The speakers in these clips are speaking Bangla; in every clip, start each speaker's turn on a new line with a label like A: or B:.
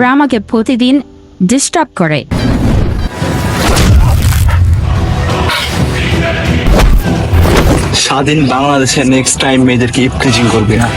A: ওরা আমাকে প্রতিদিন ডিস্টার্ব করে।
B: স্বাধীন বাংলাদেশে নেক্সট টাইম মেয়েদেরকে ইফটিজিং করবে না।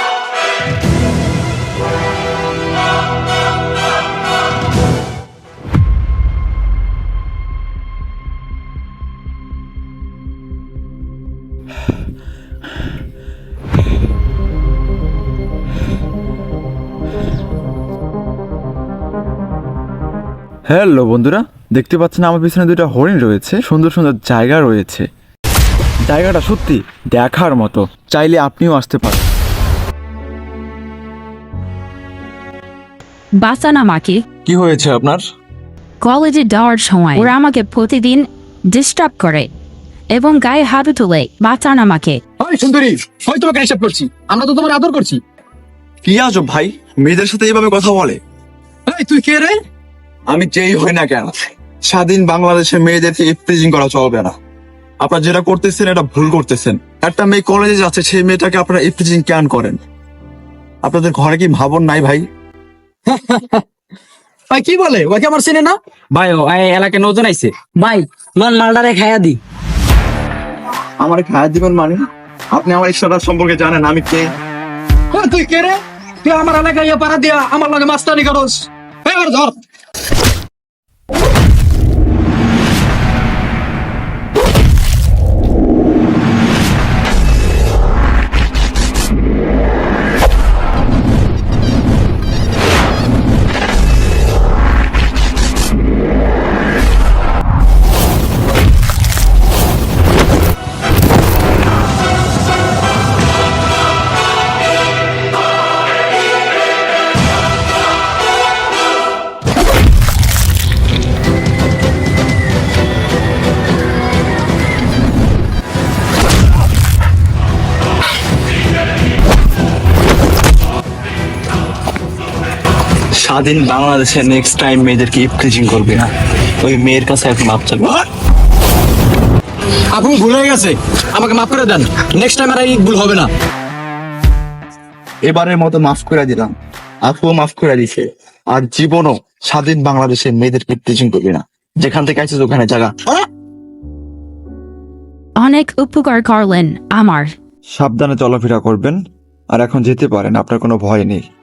C: হ্যালো বন্ধুরা, দেখতে পাচ্ছেন আমার পিছনে দুইটা হরিণ রয়েছে, সুন্দর সুন্দর জায়গা রয়েছে। জায়গাটা সত্যি দেখার মতো, চাইলে আপনিও আসতে পারেন।
A: বাঁচান আমাকে।
B: কি হয়েছে আপনার?
A: কলেজে যাওয়ার সময় ওরা আমাকে প্রতিদিন ডিস্টার্ব করে এবং গায়ে হাত তুলে। বাঁচান আমাকে।
D: ওই সুন্দরী, ওই তোমাকে হিসাব করছি, আমরা তো তোমার আদর করছি।
B: কি আজব ভাই, মেয়েদের সাথে এইভাবে কথা বলে?
D: এই তুই কে রে?
B: আমি যেই হই না কেন, স্বাধীন বাংলাদেশে মেয়েদেরকে ইফটিজিং করা চলবে না। আপনারা যেটা করতেছেন এটা ভুল করতেছেন। একটা মেয়ে কলেজে যাচ্ছে, সেই মেয়েটাকে আপনারা ইফটিজিং কেন করেন? আপনাদের ঘরে কি ভাবন নাই ভাই?
D: ভাই কি বলে, ওকে আমার চেনে না?
E: ভাই ও এলাকায় নতুন আইছে ভাই, মান মালটারে খাইয়া দি।
B: আমার খায়া দিবেন মানে? আপনি আমার ইশারা সম্পর্কে জানেন আমি কে?
D: ওই তুই কে রে? তুই আমার এলাকায় ইয়া পাড়া দিয়া আমার লগে মাস্তানি করস? এবার ধর।
B: স্বাধীন বাংলাদেশে নেক্সট টাইম মেয়েদেরকে ইফটিজিং করবে না। ওই মেয়ের কাছে এখন মাপ চাইবে।
D: আপনি ভুল হয়ে গেছে, আমাকে মাফ করে দেন। নেক্সট টাইম আর এই ভুল হবে না।
B: এবারের মতো মাফ করে দিলাম, আপুও মাফ করে দিছে। আর জীবনও স্বাধীন বাংলাদেশে মেয়েদেরকে ইফটিজিং করবে না। যেখান থেকে আইছিস ওখানে জায়গা।
A: অনেক উপকার করলেন আমার।
C: সাবধানে চলাফেরা করবেন, আর এখন যেতে পারেন, আপনার কোনো ভয় নেই।